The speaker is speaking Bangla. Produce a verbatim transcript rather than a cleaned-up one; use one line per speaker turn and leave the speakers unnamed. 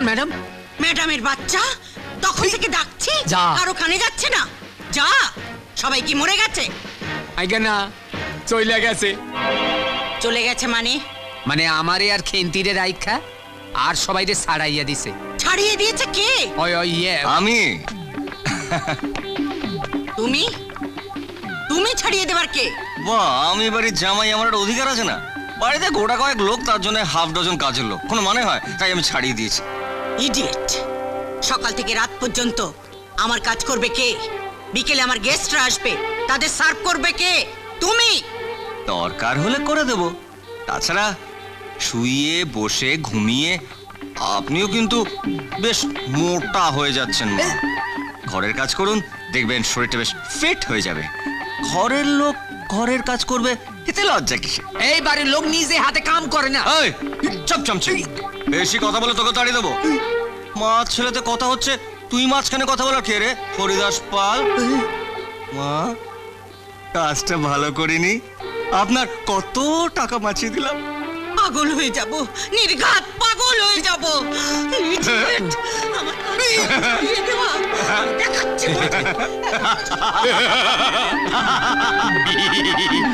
ম্যাডাম।
ম্যাডামের বাচ্চা তখন থেকে ডাকছি,
যা।
আর ওখানে যাচ্ছে না। যা, সবাই কি মরে গেছে?
আইগা না, চইলা গেছে।
চলে গেছে মানে?
মানে আমারে আর খেন্তিরে রাইখা আর সবাইরে ছাড়াইয়া দিছে।
ছাড়িয়ে দিয়েছে কে?
ওই ওই ইয়ে
আমি।
তুমি? তুমি ছাড়িয়ে দেবার কে?
বাহ, আমি বাড়ির জামাই, আমার একটা অধিকার আছে না? বাড়িতে গোটা কয়েক লোক, তার জন্য হাফ ডজন কাজের লোক, কোনো মানে হয়? তাই আমি ছাড়িয়ে দিয়েছি।
ইডিয়েট! সকাল থেকে রাত পর্যন্ত আমার কাজ করবে কে? বিকেলে আমার গেস্টরা আসবে, তাদের সার্ভ করবে কে? তুমি।
দরকার হলে করে দেব। তাছাড়া শুয়ে বসে ঘুমিয়ে আপনিও কিন্তু বেশ মোটা হয়ে যাচ্ছেন মা। ঘরের কাজ করুন, দেখবেন শরীরটা বেশ ফিট হয়ে যাবে। ঘরের লোক ঘরের কাজ করবে, এতে লজ্জা কিসে?
এই বাড়ির লোক নিজে হাতে কাম করে না।
এই চপ চামচে, বেশি কথা বলে তোকে তাড়িয়ে দেবো। মা ছেলেতে কথা হচ্ছে, তুই মাঝখানে কথা বলার কে রে? হরিদাস পাল। মা, কাজটা ভালো করিনি, আপনার কত টাকা বাঁচিয়ে দিলাম।
পাগল হয়ে যাব, নির্ঘাত পাগল হয়ে যাব। Idiot! আমার কাজ ছাড়িয়ে দেওয়া। দেখাচ্ছি তোকে।